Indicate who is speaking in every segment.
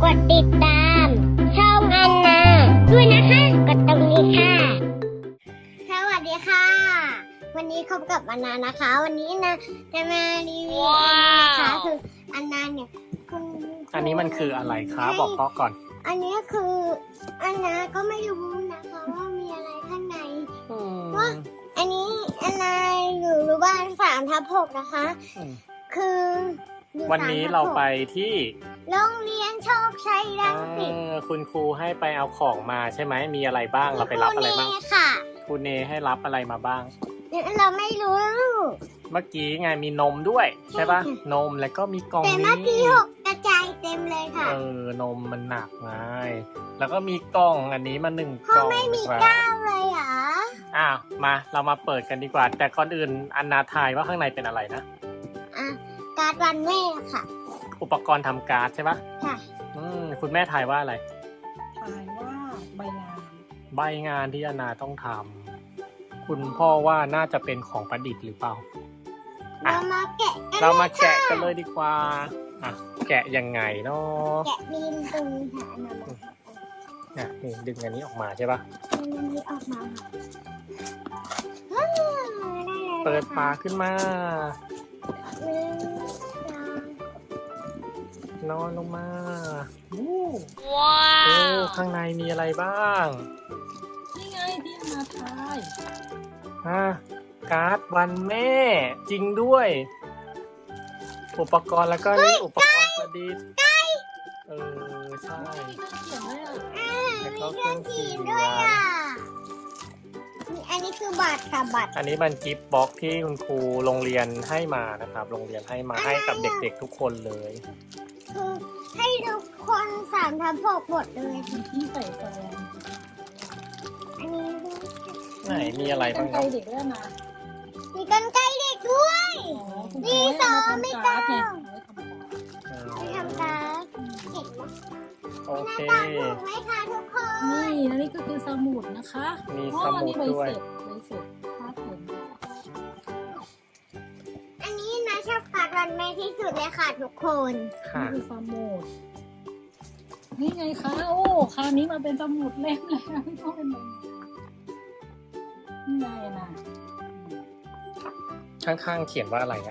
Speaker 1: ดติดตามช่องอันนาด้วยนะคะกดตรงนี้ค่ะสวัสดีค่ะวันนี้พบกับอันนานะคะ วันนี้นะจะมารีวิวนะคะคืออันนาเนี่ย
Speaker 2: อันนี้มันคืออะไรคะบอกพ่อก่อน
Speaker 1: อันนี้คืออันนาก็ไม่รู้นะคะว่ามีอะไรข้างในว่าอันนี้อันนาอยู่บ้าน3/6นะคะคือ
Speaker 2: วันนี้เราไปที่
Speaker 1: โรงเรียนโชคชัยรังสิต
Speaker 2: คุณครูให้ไปเอาของมาใช่ไหมมีอะไรบ้างเราไปรับอะไรบ้างครูเนให้รับอะไรมาบ้าง
Speaker 1: เราไม่รู้
Speaker 2: เมื่อกี้ไงมีนมด้วยใช่ป่ะนมแล้วก็มีกล่องนี้
Speaker 1: แต่เมื่อกี้6กระจายเต็มเลยค่ะ
Speaker 2: นมมันหนักไงแล้วก็มีกล่องอันนี้มา1 กล่อง
Speaker 1: ไม่มีก้าวเลยเหรอ
Speaker 2: มาเรามาเปิดกันดีกว่าแต่ก่อนอื่นอันนาทายว่าข้างในเป็นอะไรนะ
Speaker 1: การ์ดวันแม่ค่ะ
Speaker 2: อุปกรณ์ทำการ์ดใช่ปะ
Speaker 1: ค่ะ
Speaker 2: คุณแม่ทายว่าอะไร
Speaker 3: ทายว่าใบงาน
Speaker 2: ที่อันนาต้องทำคุณพ่อว่าน่าจะเป็นของประดิษฐ์หรือเปล่า
Speaker 1: เรามาแกะ
Speaker 2: กันเลยดีกว่าแกะยังไงเนาะ
Speaker 1: แกะมีนตรง
Speaker 2: ค่ะนี่ดึงอันนี้ออกมาใช่ปะ
Speaker 1: ดึงอันนี้ออกมา
Speaker 2: เปิดฝาขึ้นมานอนลงมา
Speaker 3: ว้าว
Speaker 2: ข้างในมีอะไรบ้าง
Speaker 3: นี่ไงที่มาทาย
Speaker 2: การ์ดวันแม่จริงด้วยอุปกรณ์แล้วก็นี่อุปกรณ์ประดิษฐ์ใช่
Speaker 1: แล้วก็เครื่องเขียนด้วยอันนี้คือบัตรค่ะบัตร
Speaker 2: อันนี้มันกิฟต์บ็อกที่คุณครูโรงเรียนให้มานะครับโรงเรียนให้มาให้กับเด็กๆทุกคนเลย
Speaker 1: คือให้ทุกคน3/6หมดเลย
Speaker 3: ที่ใส่แซม
Speaker 1: อันนี้
Speaker 2: ไหนมีอะไรบ้าง
Speaker 3: ครับเด็กด้วยนะ
Speaker 1: มีกรรไกรเด็กด้วยมีสอไม่ต้องทำการ์ด
Speaker 2: โอเค
Speaker 1: ไหมคะทุกคน
Speaker 3: นี่อันนี้ก็คือสมุดนะคะ
Speaker 2: มีสมุดด้วย
Speaker 3: ใบเสร็จภาพผม
Speaker 1: อันนี้นะชอบการ์ดวันแม่ที่สุดเลยค่ะทุกคน
Speaker 3: นี่คือสมุดนี่ไงคะโอ้คราวนี้มาเป็นสมุดเล่มเลยนะไม่ต้องเป็นแบบนี่ไงนะ
Speaker 2: ข้างๆเขียนว่าอะไร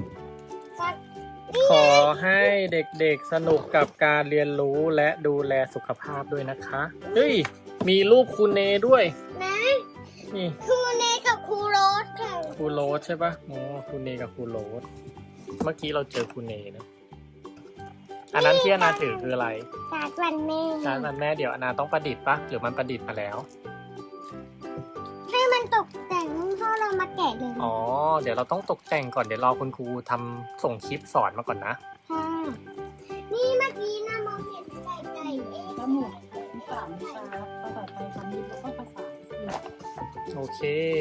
Speaker 2: ขอให้เด็กๆสนุกกับการเรียนรู้และดูแลสุขภาพด้วยนะคะเฮ้ยมีรูปครูเนด้วย
Speaker 1: นะ
Speaker 2: นี่
Speaker 1: ครูเนกับครูโรสค่ะ
Speaker 2: ครูโรสใช่ปะครูเนกับครูโรสเมื่อกี้เราเจอครูเนนะอันนั้นที่อนาถือคืออะไร
Speaker 1: การ์ดวันแม่
Speaker 2: เดี๋ยวอนาต้องประดิษฐ์ปะหรือมันประดิษฐ์มาแล้ว
Speaker 1: ให้มันตกแต่งพ่อเรามาแกะเลย
Speaker 2: เดี๋ยวเราต้องตกแต่งก่อนเดี๋ยวรอคุณครูทำส่งคลิปสอนมาก่อนนะ
Speaker 1: ค่ะนี่เมื่อกี้นะมองเห็นไก่เอง
Speaker 3: ทั้งหมด3 วิชาภาษาไทยคำนี้แล้วก็ภาษา
Speaker 2: โอเค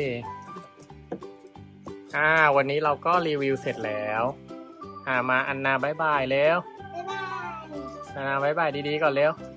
Speaker 2: วันนี้เราก็รีวิวเสร็จแล้วมาอันนาบ๊ายบายแล้ว
Speaker 1: บ๊ายบาย
Speaker 2: อันนาบ๊ายบายดีๆก่อนเร็ว